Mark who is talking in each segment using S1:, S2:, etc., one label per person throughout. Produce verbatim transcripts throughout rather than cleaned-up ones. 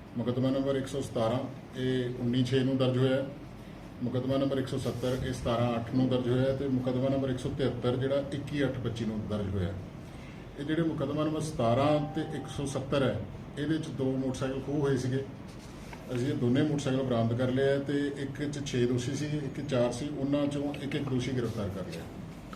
S1: मुकदमा नंबर एक सौ सतारह ये उन्नी छे नूं दर्ज होया। मुकदमा नंबर एक सौ सत्तर ये सतारह अठ नूं दर्ज होया ते मुकदमा नंबर एक सौ तिहत्तर जिहड़ा इक्की अठ पच्ची नूं दर्ज होया। ये जिहड़े मुकदमा नंबर सतारह ते एक सौ सत्तर है ये दो मोटरसाइकिल खोह होए सीगे। ਅਸੀਂ ਦੋਨੇ मोटरसाइकिल बरामद कर लिया तो एक च छे दोषी सी एक चार सी उन्हां चों एक एक दोषी गिरफ्तार कर लिया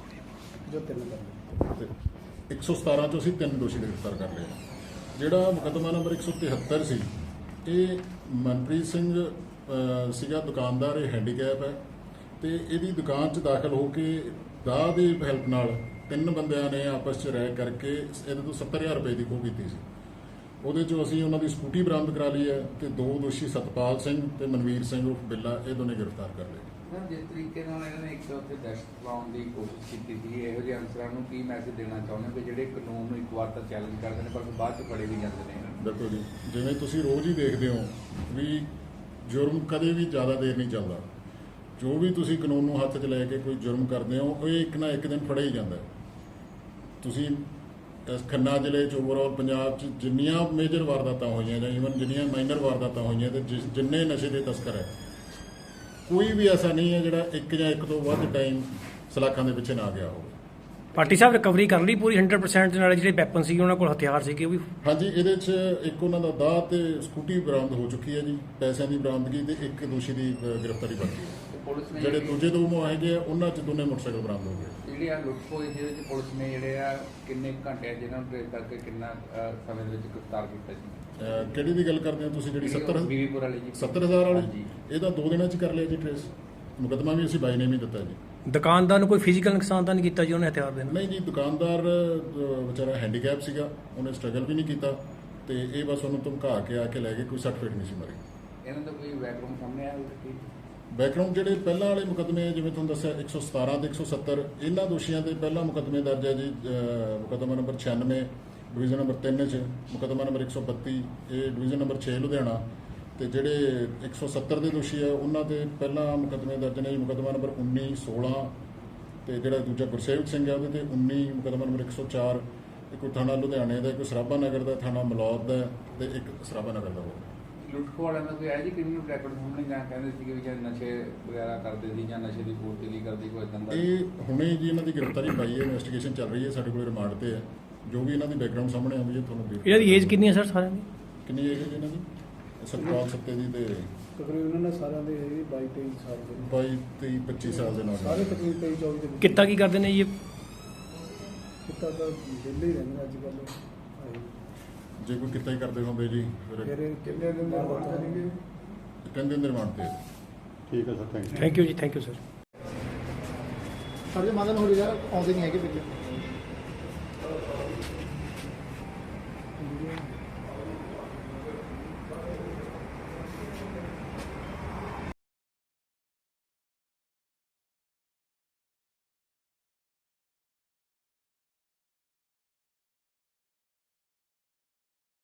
S1: जो तीन कर एक सौ सतारह चों असीं तीन दोषी गिरफ्तार कर लिया। जिहड़ा मुकदमा नंबर एक सौ तिहत्तर सी ये मनप्रीत सिंह सीगा दुकानदार, ये हैंडीकैप है तो यदी दुकान च दाखिल होके दाह की हैल्प नाल तीन बंदियां ने आपस च राय करके ये तो सत्तर हज़ार रुपए की खोह की सी। ਉਹਦੇ ਚੋਂ ਅਸੀਂ ਉਹਨਾਂ ਦੀ ਸਕੂਟੀ ਬਰਾਮਦ ਕਰਾ ਲਈ ਹੈ ਤੇ ਦੋ ਦੋਸ਼ੀ ਸਤਪਾਲ ਸਿੰਘ ਤੇ ਮਨਵੀਰ ਸਿੰਘ ਉਰਫ ਬਿੱਲਾ ਇਹ ਦੋਨੇ ਗ੍ਰਿਫਤਾਰ ਕਰ ਲਏ।
S2: ਸਰ ਜਿਸ ਤਰੀਕੇ ਨਾਲ ਇਹਨਾਂ ਨੇ ਇੱਕ ਉੱਥੇ ਦਹਿਸ਼ਤ ਫੈਲਾਉਣ ਦੀ ਕੋਸ਼ਿਸ਼ ਕੀਤੀ ਸੀ, ਇਹੋ ਜਿਹੇ ਅਨਸਰਾਂ ਨੂੰ ਕੀ ਮੈਸੇਜ ਦੇਣਾ ਚਾਹੁੰਦੇ ਹੋ ਕਿ ਜਿਹੜੇ ਕਾਨੂੰਨ ਨੂੰ ਇੱਕ ਵਾਰ ਤਾਂ ਚੈਲੰਜ ਕਰਦੇ ਨੇ ਪਰ ਬਾਅਦ ਚ ਫੜੇ ਵੀ ਜਾਂਦੇ ਨੇ?
S1: ਦੇਖੋ ਜੀ, ਜਿਵੇਂ ਤੁਸੀਂ ਰੋਜ਼ ਹੀ ਦੇਖਦੇ ਹੋ ਵੀ ਜੁਰਮ ਕਦੇ ਵੀ ਜ਼ਿਆਦਾ ਦੇਰ ਨਹੀਂ ਚੱਲਦਾ। ਜੋ ਵੀ ਤੁਸੀਂ ਕਾਨੂੰਨ ਨੂੰ ਹੱਥ 'ਚ ਲੈ ਕੇ ਕੋਈ ਜੁਰਮ ਕਰਦੇ ਹੋ ਉਹ ਇੱਕ ਨਾ ਇੱਕ ਦਿਨ ਫੜਿਆ ਹੀ ਜਾਂਦਾ। ਤੁਸੀਂ ਖੰਨਾ ਜ਼ਿਲ੍ਹੇ 'ਚ ਓਵਰਆਲ ਪੰਜਾਬ 'ਚ ਜਿੰਨੀਆਂ ਮੇਜਰ ਵਾਰਦਾਤਾਂ ਹੋਈਆਂ ਜਾਂ ਈਵਨ ਜਿੰਨੀਆਂ ਮਾਈਨਰ ਵਾਰਦਾਤਾਂ ਹੋਈਆਂ ਤੇ ਜਿੰਨੇ ਨਸ਼ੇ ਦੇ ਤਸਕਰ ਹੈ ਕੋਈ ਵੀ ਐਸਾ ਨਹੀਂ ਹੈ ਜਿਹੜਾ ਇੱਕ ਜਾਂ ਇੱਕ ਤੋਂ ਵੱਧ ਟਾਈਮ ਸਲਾਖਾਂ ਦੇ ਪਿੱਛੇ ਨਾ ਗਿਆ ਹੋਵੇ।
S3: ਪਾਰਟੀ ਸਾਹਿਬ ਰਿਕਵਰੀ ਕਰ ਲਈ ਪੂਰੀ ਹੰਡਰਡ ਪਰਸੈਂਟ ਦੇ ਨਾਲ, ਜਿਹੜੇ ਵੈਪਨ ਸੀ ਉਹਨਾਂ ਕੋਲ ਹਥਿਆਰ ਸੀਗੇ ਉਹ ਵੀ?
S1: ਹਾਂਜੀ, ਇਹਦੇ 'ਚ ਇੱਕ ਉਹਨਾਂ ਦਾ ਦਾਅ ਤੇ ਸਕੂਟੀ ਬਰਾਮਦ ਹੋ ਚੁੱਕੀ ਹੈ ਜੀ, ਪੈਸਿਆਂ ਦੀ ਬਰਾਮਦਗੀ ਤੇ ਇੱਕ ਦੋਸ਼ੀ ਦੀ ਗ੍ਰਿਫਤਾਰੀ ਬਾਕੀ ਹੈ।
S2: ਪੁਲਿਸ ਨੇ
S1: ਜਿਹੜੇ ਦੂਜੇ ਦੋ ਮੁਆਹਦੇ ਆ ਉਹਨਾਂ 'ਚ ਦੋਨੇ ਮੋਟਰਸਾਈਕਲ ਬਰਾਮਦ ਹੋ ਗਏ।
S2: ਜਿਹੜੀ ਆ ਲੁੱਟ ਹੋਈ ਜਿਹਦੇ ਵਿੱਚ ਪੁਲਿਸ ਨੇ ਜਿਹੜੇ ਆ ਕਿੰਨੇ ਘੰਟੇ ਜਿਹਨਾਂ ਨੂੰ ਟ੍ਰੇਸ ਕਰਕੇ ਕਿੰਨਾ ਸਮੇਂ ਦੇ ਵਿੱਚ ਗ੍ਰਿਫਤਾਰ ਕੀਤਾ ਜੀ?
S1: ਕਿਹੜੀ ਦੀ ਗੱਲ ਕਰਦੇ ਹੋ ਤੁਸੀਂ? ਜਿਹੜੀ ਸੱਤਰ
S2: ਬੀਵੀਪੁਰ ਵਾਲੀ ਜੀ
S1: ਸੱਤਰ ਹਜ਼ਾਰ ਵਾਲੀ ਇਹ ਤਾਂ ਦੋ ਦਿਨਾਂ 'ਚ ਕਰ ਲਿਆ ਜੀ ਟ੍ਰੇਸ। ਮੁਕੱਦਮਾ ਵੀ ਅਸੀਂ ਬਾਈ ਨੇ ਵੀ ਦਿੱਤਾ ਜੀ।
S3: ਦੁਕਾਨਦਾਰ ਨੂੰ ਕੋਈ ਫਿਜ਼ੀਕਲ ਨੁਕਸਾਨ ਤਾਂ ਨਹੀਂ ਕੀਤਾ ਜੀ ਉਹਨੇ ਹਥਿਆਰ ਦੇ ਨਾਲ?
S1: ਨਹੀਂ ਜੀ, ਦੁਕਾਨਦਾਰ ਵਿਚਾਰਾ ਹੈਂਡੀਕੈਪ ਸੀਗਾ, ਉਹਨੇ ਸਟਰਗਲ ਵੀ ਨਹੀਂ ਕੀਤਾ ਤੇ ਇਹ ਬਸ ਉਹਨੂੰ ਧਮਕਾ ਕੇ ਆ ਕੇ ਲੈ ਗਏ, ਕੋਈ ਸੱਟ ਫੇਟ ਨਹੀਂ ਸੀ ਮਾਰੀ।
S2: ਇਹਨਾਂ ਦਾ ਕੋਈ ਬੈਕਗ੍ਰਾਉਂਡ ਸਾਹਮਣੇ ਆਇਆ ਹੋਵੇ?
S1: ਬੈਕਗ੍ਰਾਉਂਡ ਜਿਹੜੇ ਪਹਿਲਾਂ ਵਾਲੇ ਮੁਕੱਦਮੇ ਜਿਵੇਂ ਤੁਹਾਨੂੰ ਦੱਸਿਆ ਇੱਕ ਸੌ ਸਤਾਰਾਂ ਤੇ ਇੱਕ ਸੌ ਸੱਤਰ ਇਹਨਾਂ ਦੋਸ਼ੀਆਂ ਦੇ ਪਹਿਲਾਂ ਮੁਕੱਦਮੇ ਦਰਜ ਹੈ ਜੀ। ਮੁਕੱਦਮਾ ਨੰਬਰ ਛਿਆਨਵੇਂ ਡਿਵੀਜ਼ਨ ਨੰਬਰ ਤਿੰਨ 'ਚ, ਮੁਕੱਦਮਾ ਨੰਬਰ ਇੱਕ ਸੌ ਬੱਤੀ ਇਹ ਡਿਵੀਜ਼ਨ ਨੰਬਰ ਛੇ ਲੁਧਿਆਣਾ ਤੇ ਜਿਹੜੇ ਇੱਕ ਸੌ ਸੱਤਰ ਦੇ ਦੋਸ਼ੀ ਆ ਉਹਨਾਂ ਦੇ ਪਹਿਲਾਂ ਮੁਕੱਦਮੇ ਦਰਜ ਨੇ ਜੀ। ਮੁਕੱਦਮਾ ਨੰਬਰ ਉੱਨੀ ਸੋਲਾਂ ਤੇ ਜਿਹੜਾ ਦੂਜਾ ਗੁਰਸੇਵਕ ਸਿੰਘ ਹੈ ਉਹਦੇ ਤੇ ਉੱਨੀ, ਮੁਕੱਦਮਾ ਨੰਬਰ ਇੱਕ ਸੌ ਚਾਰ ਇੱਕ ਥਾਣਾ ਲੁਧਿਆਣੇ ਦਾ, ਇੱਕ ਸਰਾਭਾ ਨਗਰ ਦਾ, ਥਾਣਾ ਮਲੌਦ ਦਾ ਤੇ ਇੱਕ ਸਰਾਭਾ ਨਗਰ ਦਾ। ਉਹ
S2: ਲੁੱਟ ਖੋਹ ਵਾਲਿਆਂ ਦਾ ਕੋਈ ਹੈ ਜੀ ਕ੍ਰਿਮੀਨਲ ਰੈਕੋਰਡ ਸਾਹਮਣੇ? ਜਾਂ ਕਹਿੰਦੇ ਸੀ ਕਿ ਜਾਂ ਨਸ਼ੇ ਵਗੈਰਾ ਕਰਦੇ ਸੀ ਜਾਂ ਨਸ਼ੇ ਦੀ ਪੂਰਤੀ ਲਈ ਕਰਦੇ, ਕੋਈ ਇਦਾਂ ਦਾ?
S1: ਇਹ ਹੁਣੇ ਜੀ ਇਹਨਾਂ ਦੀ ਗ੍ਰਿਫਤਾਰੀ ਪਾਈ ਹੈ, ਇਨਵੈਸਟੀਗੇਸ਼ਨ ਚੱਲ ਰਹੀ ਹੈ, ਸਾਡੇ ਕੋਲ ਰਿਮਾਂਡ ਤੇ ਹੈ। ਜੋ ਵੀ ਇਹਨਾਂ ਦੀ ਬੈਕਗ੍ਰਾਉਂਡ ਸਾਹਮਣੇ ਆਉਂਦੀ ਹੈ ਤੁਹਾਨੂੰ brief
S3: ਇਹਨਾਂ ਦੀ ਏਜ ਕਿੰਨੀ ਹੈ ਸਰ ਸਾਰਿਆਂ ਦੀ?
S1: ਕਿੰਨੀ ਏਜ ਹੈ ਜੀ ਇਹਨਾਂ ਦੀ? ਸਤਪਾਲ ਸੱਤੇ ਦੀ ਤੇ
S4: ਤਕਰੀਬਨ ਉਹਨਾਂ ਨੇ ਸਾਰਿਆਂ ਦੇ ਬਾਈ ਤੇਈ ਸਾਲ ਦੇ ਨੇ।
S1: ਬਾਈ ਤੇਈ ਪੱਚੀ ਸਾਲ ਦੇ ਨਾਲ
S4: ਸਾਰੇ ਤਕਰੀਬਨ ਤੇਈ ਚੌਵੀ ਦੇ ਵਿੱਚ।
S3: ਕਿੱਤਾ ਕੀ ਕਰਦੇ ਨੇ ਜੀ ਇਹ?
S4: ਕਿੱਤਾ ਤਾਂ ਵਿਹਲੇ ਹੀ ਰਹਿੰਦੇ ਅੱਜ ਕੱਲ੍ਹ।
S1: ਜੇ ਕੋਈ ਕਿੱਤਾ ਹੀ ਕਰਦੇ ਹੁੰਦੇ ਜੀ ਫਿਰ
S4: ਫਿਰ ਕਿੰਨੇ ਦਿਨ ਦਾ ਰਿਮਾਂਡ ਕਰਨਗੇ?
S1: ਤਿੰਨ ਦਿਨ ਦੇ ਰਿਮਾਂਡ ਤੇ।
S5: ਠੀਕ ਹੈ sir, thank you.
S3: Thank you ਜੀ, ਥੈਂਕ ਯੂ ਸਰ।
S4: ਸਾਡੇ ਮਾਦਨ ਹੋ ਯਾਰ ਆਉਂਦੇ ਨਹੀਂ ਹੈਗੇ ਵਿੱਚ।